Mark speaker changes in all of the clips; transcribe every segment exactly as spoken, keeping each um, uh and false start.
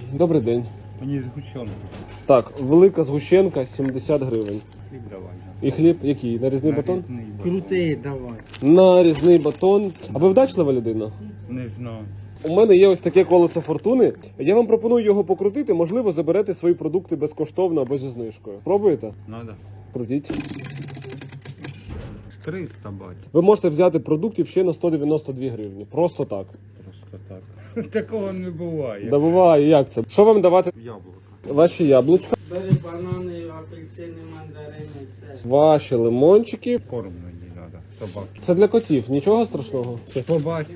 Speaker 1: Добрий день.
Speaker 2: Мені згущенку.
Speaker 1: Так, велика згущенка сімдесят гривень.
Speaker 2: Хліб давай.
Speaker 1: І хліб який? Нарізний батон?
Speaker 2: Нарізний батон.
Speaker 3: Крутий, давай.
Speaker 1: Нарізний батон. А ви вдачлива людина?
Speaker 2: Не знаю.
Speaker 1: У мене є ось таке колесо фортуни. Я вам пропоную його покрутити. Можливо, заберете свої продукти безкоштовно або зі знижкою. Пробуєте?
Speaker 2: Надо.
Speaker 1: Крутіть.
Speaker 2: триста бать.
Speaker 1: Ви можете взяти продуктів ще на сто дев'яносто дві гривні. Просто так.
Speaker 2: Просто так. Такого не буває.
Speaker 1: Да буває, як це? Що вам давати?
Speaker 2: Яблуко.
Speaker 1: Ваші яблучка,
Speaker 3: Бери банани, апельсини, мандарини, все.
Speaker 1: ваші лимончики.
Speaker 2: Корм мені треба. Собаки.
Speaker 1: Це для котів, нічого страшного. Це,
Speaker 2: Побачив.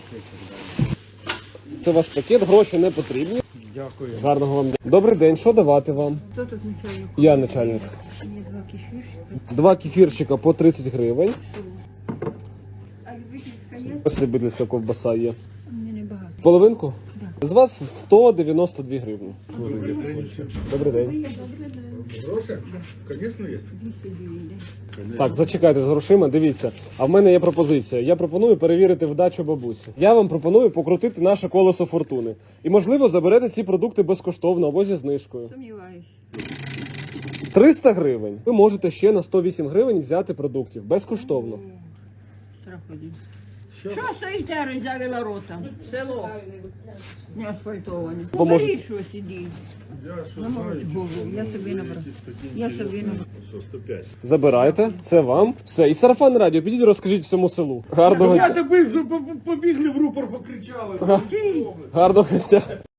Speaker 1: це ваш пакет, гроші не потрібні.
Speaker 2: Дякую.
Speaker 1: Гарного вам дня. Добрий день, що давати вам?
Speaker 4: Хто тут начальник?
Speaker 1: Я начальник.
Speaker 4: Мені два кефірчика.
Speaker 1: Два кефірчика по тридцять гривень.
Speaker 4: А любительська є?
Speaker 1: Ось любительська ковбаса є.
Speaker 4: Мені небагато.
Speaker 1: Половинку? З вас сто дев'яносто дві гривні. Добрий день.
Speaker 5: Гроши? Конечно, есть.
Speaker 1: Так, зачекайте з грошима, дивіться. А в мене є пропозиція. Я пропоную перевірити вдачу бабусі. Я вам пропоную покрутити наше колесо фортуни. І, можливо, заберете ці продукти безкоштовно або зі знижкою.
Speaker 4: Сумніваюсь.
Speaker 1: триста гривень. Ви можете ще на сто вісім гривень взяти продуктів безкоштовно.
Speaker 4: Страх один. Що стоїте, роззявила рота? Село. Не асфальтоване.
Speaker 1: Поможе-
Speaker 4: Покажіть щось, іди.
Speaker 5: Я что
Speaker 4: На молочку. Я собі набрав. Я собі набрав.
Speaker 5: сто пять.
Speaker 1: Забирайте, це вам. Все. І сарафан радіо, підіть розкажіть всьому селу. Гарного,
Speaker 5: Я тебе побігли в рупор, покричали.
Speaker 1: гарного дня.